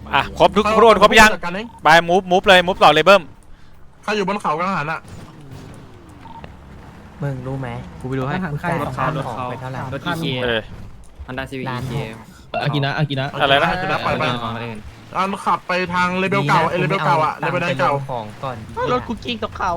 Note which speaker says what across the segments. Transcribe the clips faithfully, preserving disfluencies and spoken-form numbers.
Speaker 1: อ่ะครบทุกคนครบยังไปมูฟมูฟเลยมูฟต่อเลยเบิ้ม
Speaker 2: ใครอยู่บนเขากลางหันอ่ะ
Speaker 3: มึงรู้ไหม
Speaker 4: กูไปดูให้
Speaker 3: ใครข้ามของไปเท่าไหร่
Speaker 4: รถอีเคฮันด้าซีวีอีเค
Speaker 5: อากินะอากินะ
Speaker 1: อะไรนะ
Speaker 2: ไปไปอันขับไปทางเลเวลเก่าเอเลเวลเก่าอะเลเวลเก่า
Speaker 3: ของก่อน
Speaker 4: รถคุกกิ้งตกเขา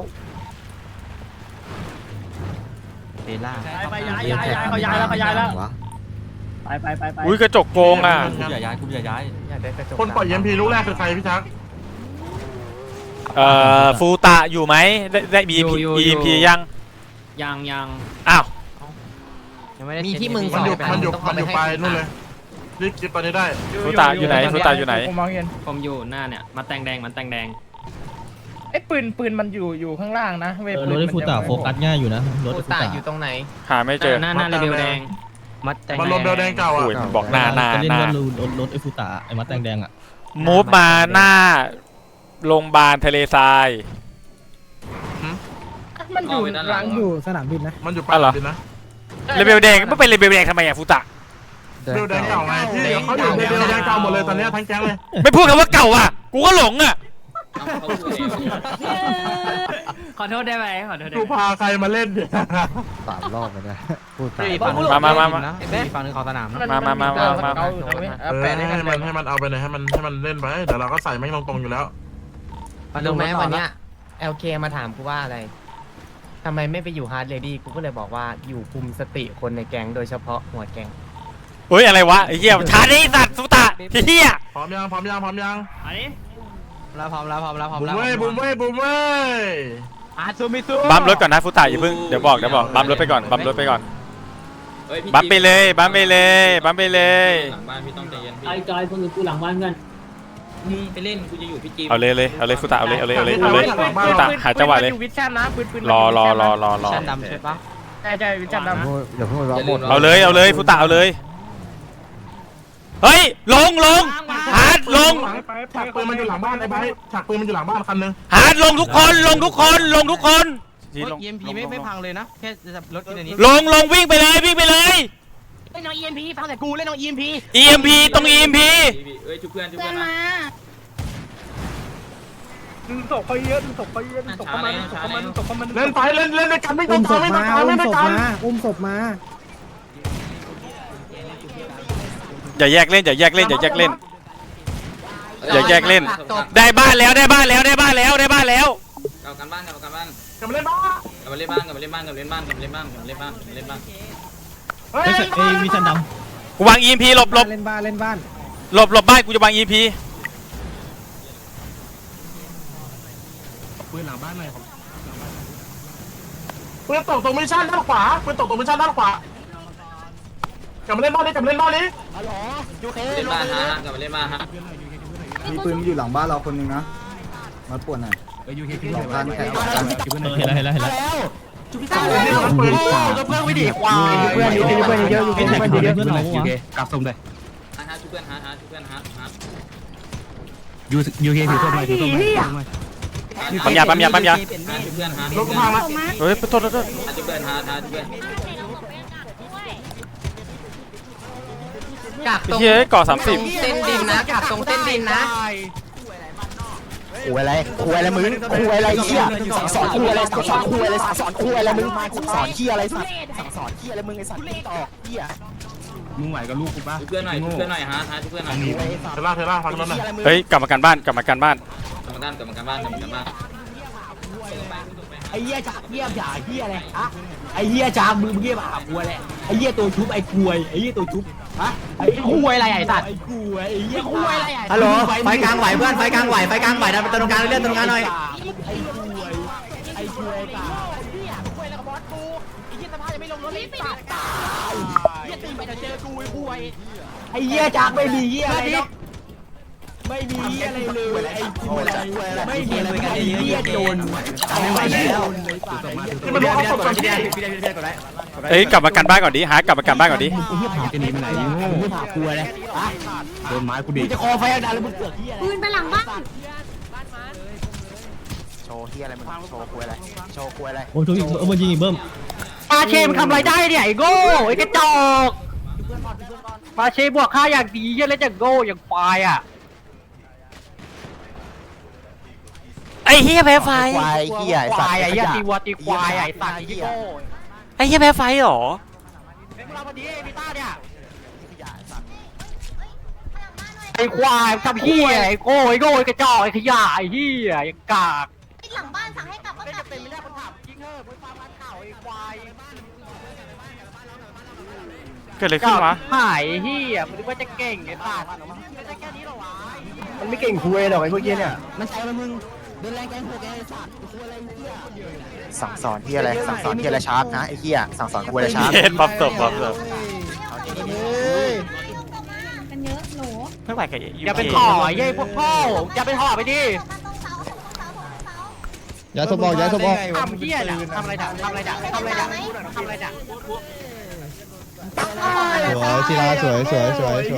Speaker 3: เบล่า
Speaker 4: ไปย้ายย้ายย้ายเขาย้ายแล้วเขาย้ายแล้วไปไปไปไป
Speaker 1: อุ้ยกระจกโกงอ่ะ
Speaker 4: กูอย่าย้ายกูอย่าย้าย
Speaker 2: คนปล่อยเอ็มพีลูกแรกคือใครพี่ชัก
Speaker 1: เอ่อฟูตะอยู่ไหมได้ได้มีอีพียัง
Speaker 4: ยังยัง
Speaker 1: อ้าว
Speaker 3: มีที่มึง
Speaker 2: มันอยู่มันอยู่มันอยู่ไปนู่นเลยรีบคิดตอนนี้ได้
Speaker 1: ฟูตะอยู่ไหนฟูตะอยู่ไหน
Speaker 4: ผมมองเห็นผมอยู่หน้าเนี่ยมันแตงแดงมันแตงแดง
Speaker 6: ไอ้ปืนปืนมันอยู่อยู่ข้างล่างนะเว
Speaker 5: รถไอ้ฟูตะโฟกัสง่ายอยู่นะรถ
Speaker 3: ฟูตะอยู่ตรงไหน
Speaker 1: หาไม่เจอ
Speaker 4: หน้าหน้าเลเวลแดง
Speaker 2: มัดมันรถเบลแดงเก่าอ่ะ
Speaker 1: บอกหน้าหน้า
Speaker 5: หน้ารถรถไอ้ฟูตะไอ้มัดแดงแดงอ่ะ
Speaker 1: มูฟมาหน้าโรงพยาบาลทะเลทราย
Speaker 6: มันอยู่รังอยู่สนามบินนะ
Speaker 2: มันอยู่ปากบินนะ
Speaker 1: เลเวลแดงไม่เป็นเลเวลแดงทำไมอะฟูตะ
Speaker 2: เลเวลแดงเก่าไงที่เขาอยู่เลเวลแดงเก่าหมดเลยตอนนี้ทั้งแก๊งเลย
Speaker 1: ไม่พูดคำว่าเก่าอ่ะกูก็หลงอ่ะ
Speaker 4: ขอโทษได้ไหมขอโทษได้
Speaker 2: กูพาใครมาเล่นเนี่ย
Speaker 3: สามรอบเลยนะพูด
Speaker 1: มามามามา
Speaker 4: ฝั่งนึงของสนาม
Speaker 1: มามามามามา
Speaker 2: ให้มันให้มันเอาไปเลยให้มันให้มันเล่นไปเดี๋ยวเราก็ใส่แม่งตรงๆอยู่แล้ว
Speaker 3: รู้ไหมวันเนี้ย แอล เค มาถามกูว่าอะไรทำไมไม่ไปอยู่ฮาร์ดเรดี้กูก็เลยบอกว่าอยู่คุมสติคนในแก๊งโดยเฉพาะหัวแก๊ง
Speaker 1: เฮ้ยอะไรวะไอ้เหี้ยทานี้สัตว์สุตะเหี้ย
Speaker 2: พร้อมยังพร้อมยังพร้อมยัง
Speaker 4: อันนี้เราพร้อมแล้วพร้อมแล้วพร้อมแล้ว
Speaker 2: บุ้มเว้ยบุ้มเว้ยบุ้มเว้ย
Speaker 4: อาซูมิซู
Speaker 1: บัมรถก่อนนะฟุตะอย่าเพิ่งเดี๋ยวบอกเดี๋ยวบอกบัมรถไปก่อนบัมรถไปก่อนบัมไปเลยบัมไปเลยบัมไปเลย
Speaker 4: หลังบ้านพี่ต้องใจเย็นไอ้จอยคนอื่นกูหลังบ้านกันมึงไปเล่นกูจะอยู่พี่จี
Speaker 1: เอาเลยเลยเอาเลยฟุตะเอาเลยเอาเลยเอาเลยเอาเลยฟุตะหาจังหวะเลย
Speaker 6: วิชั่นนะปืนปืน
Speaker 1: รอรอรอรอรอ
Speaker 4: วิชั่นดำใช่ปะ
Speaker 6: ใช่ใช่วิชั่นด
Speaker 3: ำเดี๋ยวพูดว่าหมด
Speaker 1: เอาเลยเอาเลยฟุตะเอาเลยเฮ้ยลงลงฮาร์ดลง
Speaker 2: ฉากปืนมันอยู่หลังบ้านไอ้ไบฉากปืนมันอยู่หลังบ้านคันนึง
Speaker 1: ฮาร์ดลงทุกคนลงทุกคนลงทุกคน
Speaker 4: เอ็มพีไม่ไม่พังเลยนะแค่รถกินอันนี้
Speaker 1: ลงลงวิ่งไปเลยวิ่งไปเลย
Speaker 4: เล่นน้อง อี เอ็ม พี ฟังแต่กูเล่นน้อง อี เอ็ม พี
Speaker 1: อี เอ็ม พี ตรง อี เอ็ม พี
Speaker 4: เอ้ยจุเพื่อนจุเพื่อนมา
Speaker 6: ดึงศพเขาเยอะดึงศพเขาเยอะดึงศพเขามาดึงศพเขามาดึงศพเขามา
Speaker 2: เล่นไปเล่นเล่นในกันไม่ต้องการไม่ต้องการไม่ต้องการ
Speaker 6: อุ้มศพมา
Speaker 1: อย่าแยกเล่นอย่าแยกเล่นอย่าแยกเล่นอย่าแยกเล่นได้บ้านแล้วได้บ้านแล้วได้บ้านแล้วได้บ้านแล้ว
Speaker 4: กลับกันบ้านกลับกันบ้าน
Speaker 2: กลับมาเล่นบ้าน
Speaker 4: กลับมาเล่นบ้านกลับมาเล่นบ้านกลับมาเล่นบ้านกลับมาเล่นบ้านกลับมาเล่นบ้านกลับมาเล่นบ้าน
Speaker 5: เฮ้ยเอ้ยวิชันดำ
Speaker 1: กูวาง อี เอ็ม พี หลบหลบ
Speaker 6: เล่นบ้านเล่นบ้าน
Speaker 1: หลบหลบบ้านกูจะวาง อี เอ็ม พี
Speaker 2: ปืนหลังบ้านหน่อยปืนตกตรงมิชชั่นด้านขวาปืนตกตรงมิชชั่นด้านขวากลับมาเล่นบ้านนี้กลับมาเล่นบ้านนี้
Speaker 4: อ๋อยูเคเล่นบ้านฮะกลับมาเล่นบ้านฮะ
Speaker 3: มีปืนอยู่หลังบ้านเราคนนึงนะมาป่วนหน่อย
Speaker 5: ไปยูเคที่หลังบ้านแข่งกันเห็นแล้วเห็นแล้วเห็นแล้ว
Speaker 4: จุพี่ตาเพื่อนเพื่อนวิดีควาย
Speaker 6: เพื่อนเยอะเพื่อนเยอะอยู่เพื่อนเยอะ
Speaker 5: เพื่อนเรายูเคกลับส่งเลย
Speaker 4: ฮะจุเพื่อนฮะฮะจุเพื่อนฮะฮะ
Speaker 5: ยูยูเคถือตัวใหม่ถือตัวใหม่
Speaker 1: ปั๊มยาปั๊มยาปั๊มยา
Speaker 4: จุเพื่อนฮะ
Speaker 2: รถพังละ
Speaker 1: เฮ้ยโทษโทษโทษ
Speaker 4: จุเพื่อนฮะฮะจุเพื่อน
Speaker 1: กักตรงเฮ้ยก่อสามสิบ
Speaker 3: เส้นดินนะกักตรงเส้นดินนะคุยอะไรคุยอะไรมึงคุยอะไรเหี้ยสั่งสอนคุยอะไรสั่งสอนคุยอะไรสั่งสอนคุยอะไรมึงสั่งสอนเหี้ยอะไรสั่งสั่งสอนเหี้ยอะไรมึงไอ้สัตว์ต่อเหี้ย
Speaker 5: มึงไหวกับลูกกูป่ะ
Speaker 4: จุเพื่อนหน่อยจุเพื่อนหน่อยฮะฮะจุเพื่อนหน่อย
Speaker 2: เทล่าเทล่าฟังแล้วหน่อย
Speaker 1: เฮ้ยกลับมากันบ้านกลับมากันบ้าน
Speaker 4: กลับมากันกลับมากันบ้านกลับมากันบ้าน
Speaker 3: ไอ้เหี้ยจากเหี้ยจ่าเหี้ยอะไรอะไอ้เหี้ยจากมึงเหี้ยมาหากูแหละไอ้เหี้ยตัวชุบไอ้กวยไอ้เหี้ยตัวชุบฮะไอ้กวยอะไรไอ้สัตว์ไอ้กวยไอ้เหี้ยกวยอะไรฮัลโหลไฟกลางไหวเพื่อนไฟกลางไหวไฟกลางไหวนะตรงกลางเลื่อนตรงกลางหน่อยไอ้กวยไอ้กวยตายเหี้ยกวยแล้วก็บอสกูไอ้เหี้ยสภาพยังไม่ลงรถเลยตายตายเหี้ยตีไปเจอกูไอ้กวยไอ้เหี้ยจากไม่มีเหี้ยอะไรไม่มีอะไรเลยไอ้กวยไม่มีอะไรไอ้เหี้ยโจรไม่ไหวแล้ว
Speaker 2: มันรู้เขาตกใจ
Speaker 1: เฮ้ยกลับมากันบ้านก่อนดิหากลับมากันบ้านก่อนดิ
Speaker 5: ไอ้เหี้ยผ่าจะหนีไปไหน
Speaker 3: มึงไม่ผ่ากูเลย
Speaker 5: โดนไม้กูดิ
Speaker 3: จะคอไฟดันแล้วมึงเกิดเหี้ยอะไร
Speaker 7: ปืนไปหลังบ้าน
Speaker 3: โชว์เหี้ยอะไรมึงโชว์กูอะไรโชว์กูอะไร
Speaker 5: โอ้ยเออมันยิงอีกเบิ้ม
Speaker 6: ปาเชมทำอะไรได้เนี่ยไอ้โง่ไอ้กระจอกปาเชบวกค่าอย่างดีเยอะแล้วจะโง่อย่างควายอ่ะ
Speaker 1: อ้เหี้ยแพ้ไฟ
Speaker 7: ควายเหี้ยไอ้
Speaker 3: ค
Speaker 7: สัต
Speaker 3: วาย
Speaker 7: ว์
Speaker 3: ไอ้เหี้ยตีวัวตีควายไอ้สัตว์ไอ้เหี้ย
Speaker 1: ไอ้เหี้ยแพ้ไฟเหรอ
Speaker 3: ไอ้พวกเราพอดีไอ้พิต้าเนี่ยไอ้ควายทำเหี้ยไอ้โง่ไอ้โง่ไอ้กระจอกไอ้ขยะไอ้เหี้ยไอ้กาก
Speaker 8: หลังบ้านสั่งให้กลับก็
Speaker 3: ไม่
Speaker 8: กลับ
Speaker 3: จำเป็นไม่ได้คนถามจริงเถอะมึงฟังมันข่าวไอ้ควาย
Speaker 1: เกิดอะไรขึ้นวะ
Speaker 3: หายไอ้เหี้ยมึงนึกว่าจะเก่งไอ้สัตว์ไม่ใช่แค่นี้หรอวะ
Speaker 2: มันไม่เก่งคุยหรอกไอ้พวกเนี้ยเนี่ย
Speaker 3: มันใช้มันมึงเดินแรงแกงโหกไอ้สัตว์คุยอะไรเหี้ย
Speaker 7: สั่งสอนที่อะไรสั่งสอนที่อะไรชาร์ปนะไอ้เหี้ยสั่งสอนกูอะไรชาร์ป
Speaker 1: เย็นปั๊บศพปั๊บศพ
Speaker 8: กันเยอะหนู
Speaker 1: ไม่ไหวกับ
Speaker 3: อย่าเป็นห่อไอ้เหี้ยพวกพ่ออย่าเป็นห่อไปดิ
Speaker 5: ยาสบอกยาสบอก
Speaker 3: ทำเหี้ยน่ะทำอะไรด่ะทำอะไรด่ะทำอะไรด่ะทำอะไรด่ะ
Speaker 5: สวยศิลาสวยสวยสวยสวย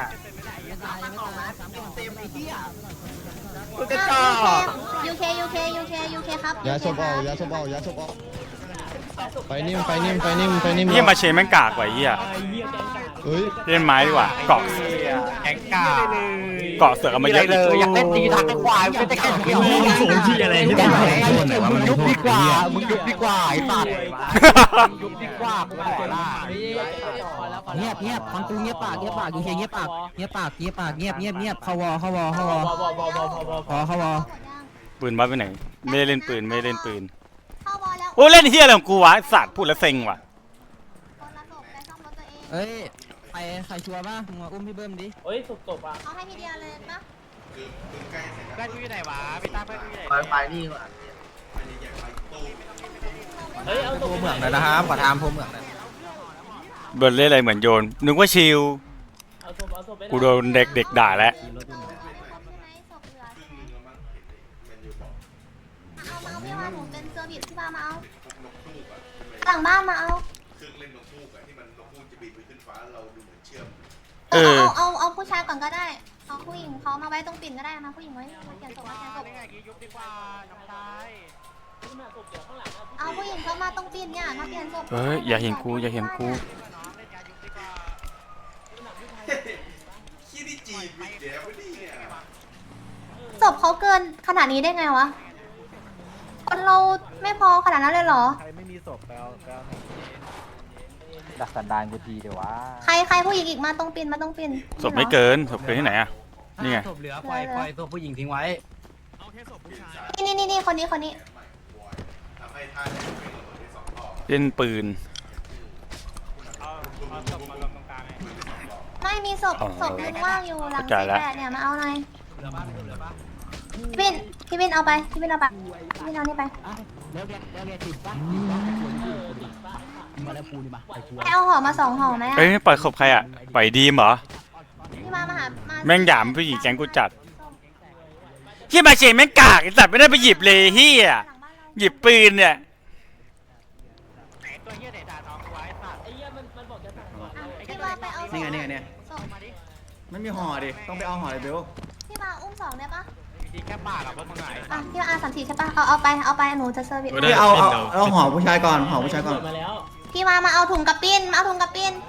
Speaker 2: กระจอก
Speaker 8: ยูเคยูเคยูเคยูเคครับ
Speaker 5: ยาสบอกยาสบอกยาสบอกไปนิ่มไปนิ่มไปนิ่มไปนิ่ม
Speaker 1: เหี้ยมาเชนแม่งกากว่ะไอ้เหี้ย
Speaker 5: เฮ้ย
Speaker 1: เล่นไม้ดีกว่าเกาะ
Speaker 3: แข็งกา
Speaker 1: เกาะเสือกเอามาเยอะอีก
Speaker 3: อยากเล่นดีทักไอ้ควายไม่ได้แค่เดียวมึงยุบดีกว่ามึงยุบดีกว่าไอ้สัตว์ยุบดีกว่ากูขอละ
Speaker 9: เงียบเงียบฟังกูเงียบปากเงียบปากอยู่เฉยเงียบปากเงียบปากเงียบปากเงียบเงียบเงียบเข้าวอเข้าวอเข้าวอพอเข้าวอ
Speaker 1: ปืนวัดไปไหนไม่ได้เล่นปืนไม่ได้เล่นปืน
Speaker 8: เข้าบอลแล้ว
Speaker 1: โอ้เล่นเหี้ยอะไรของกูวะไอ้สัตว์พูดแล้วเซ็งว่ะ
Speaker 9: เอ้ยใครใครชัวร์ป่ะมึงมาอุ้มพี่เบิ้มดิ
Speaker 4: เฮ้ยศพศพอ่ะ
Speaker 8: เอาให้พี่เดียเลยปะ
Speaker 3: เพื่อนกูอยู่ไหนวะพี่ตาเพื่อนกูอยู่ไหน
Speaker 2: ไปไปนี่
Speaker 4: เฮ้ยเอาศพ
Speaker 7: พวกเหมืองเลยนะครับขอทามพวกเหมืองเลย
Speaker 1: เบิร์ดเล่นอะไรเหมือนโยนนึกว่าชิล
Speaker 4: เอาศพเอาศพไป
Speaker 1: กูโดนเด็กเด็กด่าแล้ว
Speaker 8: เอามาเอาพี่มาหนูเป็นเซอร์วิสพี่มามาเอาหลังบ้านมาเอา
Speaker 1: เออ
Speaker 8: เอาเอาเอาผู้ชายก่อนก็ได้เอาผู้หญิงเขามาไว้ตรงปิ่นก็ได้มาผู้หญิงไว้มาเปลี่ยนศพมาเปลี่ยนศพ
Speaker 3: ยุบดีกว่าน้องชาย
Speaker 8: เอาผู้หญิงเขามาตรงปิ่นเนี่ยมาเปลี่ยนศพ
Speaker 1: เฮ้ยอย่าเห็นกูอย่าเห็นกู
Speaker 8: ศพเขาเกินขนาดนี้ได้ไงวะคนเราไม่พอขนาดนั้นเลยเหรอ
Speaker 2: ใครไม่มีศพไปเอาไปเอา
Speaker 7: ดักสันดานกูทีเดี๋ยววะ
Speaker 8: ใครใครผู้หญิงอีกมาตรงปิ่นมาตรงปิ่น
Speaker 1: ศพไม่เกินศพเกินที่ไหนอะนี่ไง
Speaker 3: ศพเหลือปล่อยปล่อยตัวผู้หญิงทิ้งไว้
Speaker 8: นี่นี่นี่คนนี้คนนี้
Speaker 1: เล่นปืน
Speaker 8: ไม่มีศพ
Speaker 1: อ๋อ
Speaker 8: ศพนึงว่างอยู่หลัง
Speaker 1: เข้าใจ
Speaker 8: สิบ
Speaker 1: แล้ว
Speaker 8: แปดเนี่ยมาเอาหน่อยพี่บินพี่บินเอาไปพี่บินเอาไปพี่บินเอานี่ไป
Speaker 9: แล้วแกแล้วแกติดป่ะมาแล้วปูนี่มาไปชัวร์
Speaker 8: ให้เอาห่อมาสองห่อไหมอะ
Speaker 1: เอ้ยปล่อยศพใครอะปล่อยดีมเหรอ
Speaker 8: พี่มามาหามา
Speaker 1: แม่งหยามผู้หญิงแก๊งกูจัดเฮียมาเชนแม่งกากไอ้สัตว์ไม่ได้ไปหยิบเลยเฮีย
Speaker 8: หลังบ้านเรา
Speaker 1: หยิบปืนเนี่ย
Speaker 3: ตัวเหี้ยไหนด่าน้องกูไว้สัตว์
Speaker 4: ไอ้เหี้ยมันมันบอกจะสั่งก่อน
Speaker 8: อ่ะพี่มาไปเอาศพ
Speaker 2: นี่ไงนี่ไงเนี่ย
Speaker 8: ศพ
Speaker 2: ไม่มีห่อดิต้องไปเอาห่อเลยเบล
Speaker 8: พี่มาอุ้มสองได้ปะ
Speaker 3: ดีแค่ปากอะพวกมึงไหน
Speaker 8: อ่ะพี่มาอาสามสี่ใช่ปะเอาเอาไปเอาไปหนูจะเซอร์วิส
Speaker 2: พี่เอาเอาเอาห่อผู้ชายก่อนห่อผู้ชายก่อน
Speaker 4: มาแล้ว
Speaker 8: พี่มามาเอาถุงกับปิ้นมาเอาถุงกับปิ้น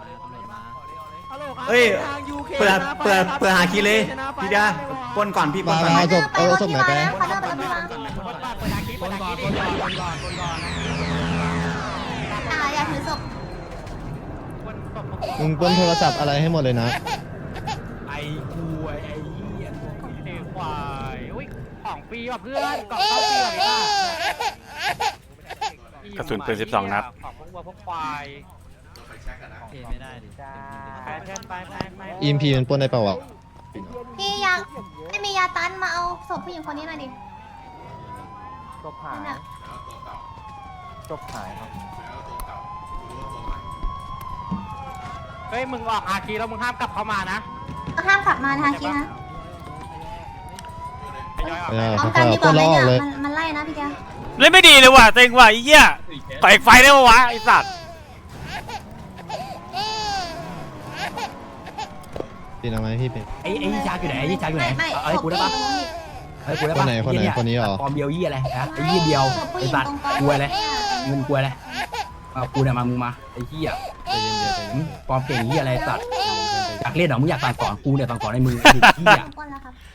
Speaker 2: เฮ้ยเปิดเปิดเปิดหาคีเลยพี่เดียปนก่อนพี่ปนก่อน
Speaker 5: เอาศพเอาศพไหนไป
Speaker 8: ขอเดินไปกับพี่มา
Speaker 3: คนปากเปิดอาคีเปิดอาคีดิคนก่อนคนก่อนคนก่อน
Speaker 8: อ่ะอย่าถือศพ
Speaker 3: คนตบ
Speaker 5: มึงเปิ้ลโทรศัพท์อะไรให้หมดเลยนะ
Speaker 3: ไอ้กูไอ้เหี้ยไอ้ควายอุ้ยของฟรีว่ะเพื่อนกล่องเข้าฟรีว่ะพี่
Speaker 1: กระสุนปืนสิบสองนัด
Speaker 3: ของพวกวัวพวกควายไม่ได้ดิไปเพื่อนไปไปไป
Speaker 5: อีมพีมันปล้นได้เปล่าวะ
Speaker 8: พี่ยาไม่มียาตันมาเอาศพผู้หญิงคนนี้หน่อยดิ
Speaker 7: จบหาย
Speaker 8: นั่นน่ะ
Speaker 7: จบหายครับ
Speaker 3: เฮ้ยมึงออกอาคีแล้วมึงห้ามกลับเข้ามานะ
Speaker 8: ก็ห้ามขับมาทางกี้นะ
Speaker 3: ทยอยออก
Speaker 5: ไม่ได้
Speaker 8: พร้อม
Speaker 5: เขา
Speaker 8: กันดีก
Speaker 5: ปล้
Speaker 8: ว่าน ไหม
Speaker 5: ล้ออ
Speaker 8: เนี่
Speaker 5: อย กเลย
Speaker 8: มันมันไล่นะพี่เดีย
Speaker 1: เล่นไม่ดีเลยว่ะเต็งว่ะไอ้เหี้ยต่อยไฟได้ปะวะไอ้สัตว์
Speaker 5: ปีนเอาไหมพี่เป็น
Speaker 3: ไอ้ไอ้ยี่ชาอยู่ไหนไอ้ยี่ชาอยู่ไหน
Speaker 8: ไม่
Speaker 3: เอาไอ้
Speaker 8: ศพ
Speaker 3: กูได้
Speaker 8: พี่
Speaker 3: ปะ
Speaker 8: อยู่
Speaker 3: ไอ้กูได้
Speaker 5: ค
Speaker 3: ปะ
Speaker 5: นไหนคนไหนคนนี้เหรอ
Speaker 3: ปลอมเดียวยี่อะไรฮะไอ้ยี่เดียว
Speaker 8: ศพผู้ห
Speaker 3: ไอ้
Speaker 8: ญิง
Speaker 3: สัตว์
Speaker 8: ตรงกลาง
Speaker 3: กลัวเลยเงินกลัวเลยเอากูเนี่ยมามึงมาไอ้ยี่อ่ะปลอมเก่งยี่อะไรสัตว์อยากเล่นเหรอมึงอยากสั่งสอนกูเนี่ยสั่งสอนให้มึงไอ้ยี่อ่ะ
Speaker 8: ก้นแล้วครับ